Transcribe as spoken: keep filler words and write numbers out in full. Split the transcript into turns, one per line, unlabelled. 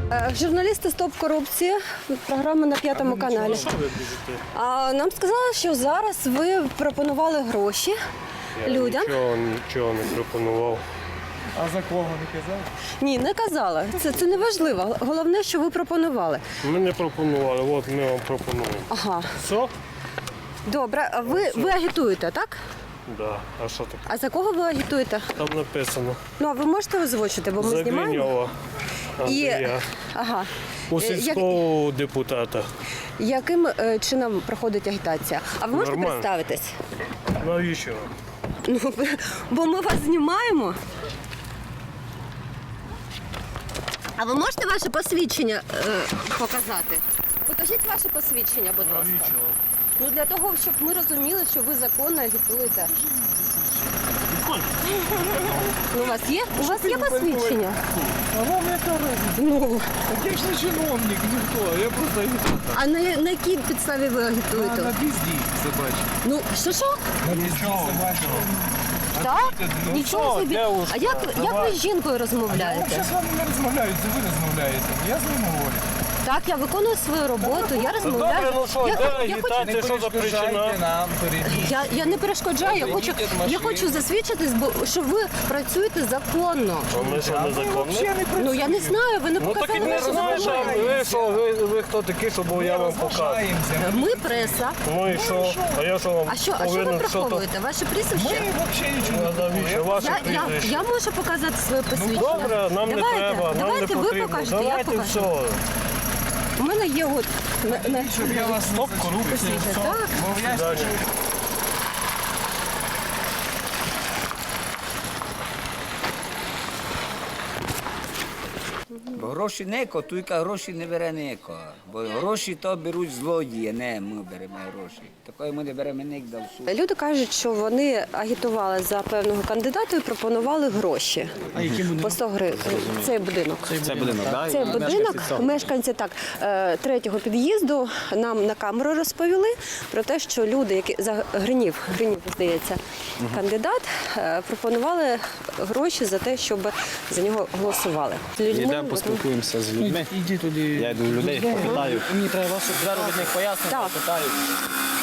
Журналісти «Стоп корупції», програма на п'ятому каналі.
Що ви біжите?
А нам сказали, що зараз ви пропонували гроші
Я
людям.
Нічого, нічого не пропонував.
А за кого не казав?
Ні, не казали. Це, це не важливо. Головне, що ви пропонували.
Ми не пропонували, от ми вам пропонуємо.
Ага.
Все?
Добре, а ви, ви агітуєте, так?
Да. А що таке?
А за кого ви агітуєте?
Там написано.
Ну, а ви можете озвучити, бо ми
За
знімаємо.
Гриньова
І,
Андрія.
ага.
У
Е, як-
сільського депутата.
Яким е, чином проходить агітація? А ви можете
Нормально.
представитись?
Навіщо?
Ну, бо ми вас знімаємо. А ви можете ваше посвідчення е, показати? Покажіть ваше посвідчення, будь ласка.
Навіщо?
Ну для того, щоб ми розуміли, що ви законно агітуєте. Ну, у вас є? У вас є посвідчення?
А вам яка разниця?
Ну,
Я ж не чиновник, ніхто, я просто агітатор.
а на, на якій підставі ви
А
агітуєте?
на пізді собачі.
Ну, що що?
На пізді собачі.
Так?
ну
Нічого
що,
собі.
девушка,
А як, як ви з жінкою
Я
розмовляєте?
взагалі з вами не розмовляю, це ви розмовляєте. Я з ним говорю.
Так, я виконую свою роботу, я розмовляю.
Добре, ну що,
я,
де
я, хочу,
агітація, що за причина?
нам, перейдіть.
я, я не перешкоджаю, я хочу,
Вийдіть від
я
машини.
хочу засвідчитись, бо що ви працюєте законно.
А ми що,
А ви
незаконно?
взагалі не
Ну я не
працюєте.
знаю, ви не
Ну так і
показали
не
вашу
знаєш, а
документи.
ви що, ви, ви хто такі, щоб я вам показав?
Розважаємося.
Ми преса.
Ну і що? А я що вам
А що, а що ви
повинен що-то?
приховуєте? Ваше
Ми
прізвище?
взагалі нічого
А
не
навіщо?
робимо.
Ваше
Я, я,
прізвище.
я можу показати своє посвідчення.
Добре, нам не
давайте,
треба, нам не
давайте ви
потрібно.
покажете, я
Давайте
покажу.
все.
У мене є от на, на,
Щоб я вас
Стоп, корупція.
посвідчення. Так.
Бо я ж
Далі.
Бо гроші неко, туйка гроші не бере неко. Бо гроші то беруть злодії, не ми беремо гроші. Такої ми не беремо ніде в суд.
Люди кажуть, що вони агітували за певного кандидата і пропонували гроші. По сто гривень. Цей будинок.
Це будинок, так?
Цей будинок, мешканці так, е, третього під'їзду нам на камеру розповіли про те, що люди, які за Гринів, Гринів, здається, кандидат, е, пропонували гроші за те, щоб за нього голосували. Людьми,
Йдемо, поспілкуємося з людьми.
Іди туди.
Я йду в людей, попитаю.
Мені треба вашу
Зараз від них пояснення,
Так.
попитаю.